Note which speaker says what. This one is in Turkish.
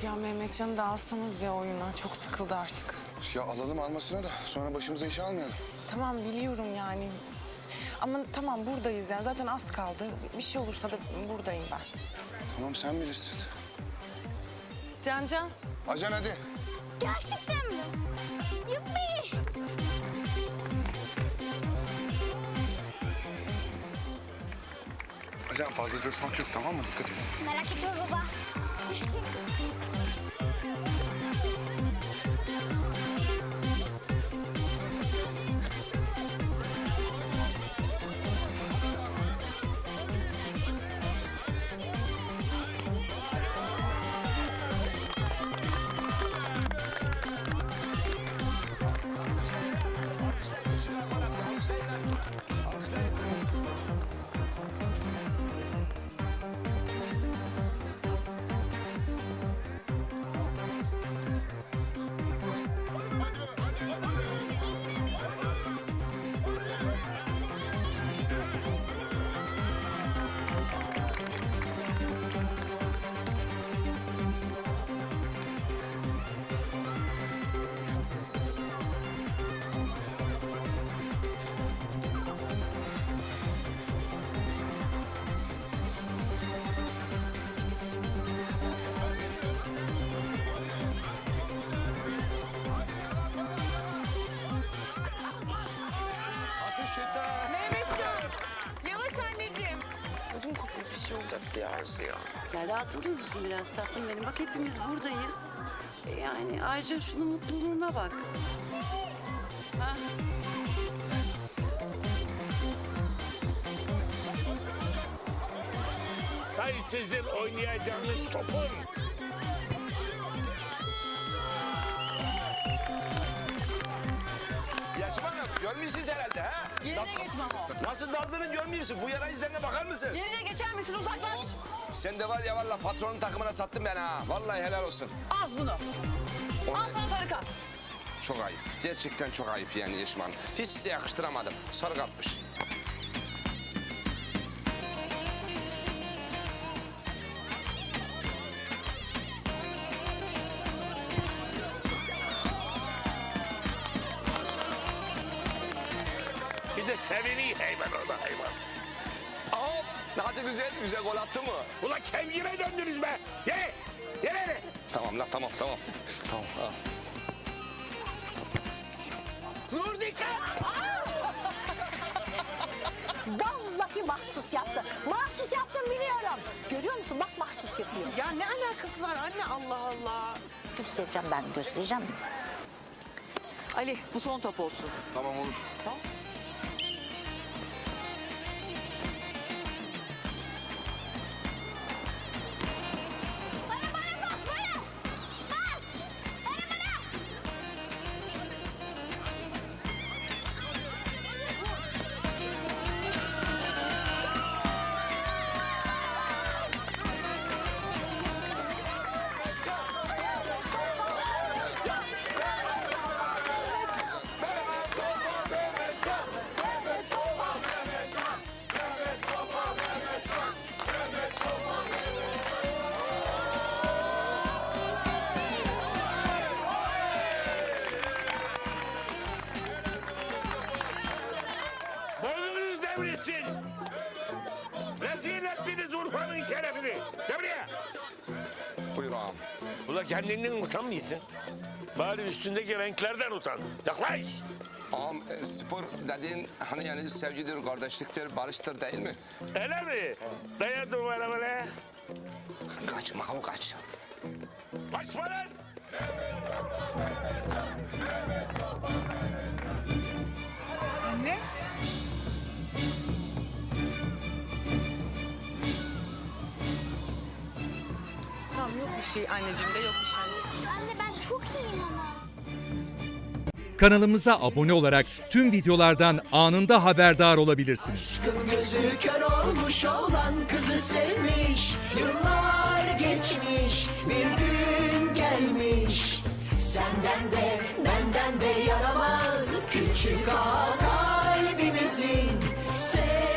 Speaker 1: Ya Mehmetcan'ı da alsanız ya oyuna. Çok sıkıldı artık.
Speaker 2: Ya alalım almasına da sonra başımıza iş almayalım.
Speaker 1: Tamam biliyorum yani. Ama tamam buradayız yani. Zaten az kaldı. Bir şey olursa da buradayım ben.
Speaker 2: Tamam sen bilirsin.
Speaker 1: Can.
Speaker 2: Ajan hadi.
Speaker 3: Gerçekten mi? Yuppi!
Speaker 2: Ajan fazla coşmak yok tamam mı? Dikkat et.
Speaker 3: Merak etme baba.
Speaker 2: Ateş yeter.
Speaker 1: Mehmetcan! Yavaş anneciğim. Ödüm kopuyor bir şey olacak diye Arzu ya.
Speaker 4: Ya rahat olur musun biraz tatlım benim? Bak hepimiz buradayız. Yani ayrıca şunun mutluluğuna bak. Ha?
Speaker 5: Hay sizin oynayacağınız topun.
Speaker 6: Yacım Hanım, görmüyorsunuz herhalde ha?
Speaker 4: Yerine geç Mamo.
Speaker 6: Nasıl daldığını görmüyorsun? Bu yara izlerine bakar mısın?
Speaker 4: Yerine geçer misin? Uzaklaş.
Speaker 6: Sen de var ya vallahi patronun takımına sattın beni ha. Vallahi helal olsun.
Speaker 4: Al bunu. Al sana sarı kart.
Speaker 6: Çok ayıp. Gerçekten çok ayıp yani Yeşim Hanım. Hiç size yakıştıramadım. Sarı kapmış.
Speaker 5: Bir de sevini hayvan orada hayvan.
Speaker 6: Aa, nasıl güzel gol attı mı?
Speaker 5: Ulan kevgire döndünüz be. Ye. Ye.
Speaker 6: Tamam la tamam. Tamam. Ha.
Speaker 5: Nur dikkat.
Speaker 7: Vallahi mahsus yaptı. Mahsus yaptım biliyorum. Görüyor musun? Bak mahsus yapıyor.
Speaker 1: Ya ne alakası var anne Allah Allah.
Speaker 7: Göstereceğim ben göstereceğim.
Speaker 4: Ali bu son top olsun.
Speaker 2: Tamam olur.
Speaker 3: Bana pas, bana! Pas! Bana!
Speaker 5: Boynunuz devrilsin. Rezil ettiniz Urfa'nın şerefini. Gel buraya.
Speaker 6: Buyur ağam.
Speaker 5: Ulan kendinden utanmıyorsun. Bari üstündeki renklerden utan. Yaklaş.
Speaker 6: Ağam spor dediğin hani yani sevgidir, kardeşliktir, barıştır değil mi?
Speaker 5: Öyle mi? Dayan duvara böyle.
Speaker 6: Kaçma ağam kaç.
Speaker 5: Kaçma lan.
Speaker 1: Anne? Tamam yok bir şey anneciğim de yok bir şey.
Speaker 3: Anne ben çok iyiyim ama.
Speaker 8: Kanalımıza abone olarak tüm videolardan anında haberdar olabilirsiniz.
Speaker 9: Aşkın gözü kör olmuş olan kızı sevmiş. Yıllar geçmiş bir gün gelmiş. Senden de benden de yaramaz küçük ağa kalbimizin.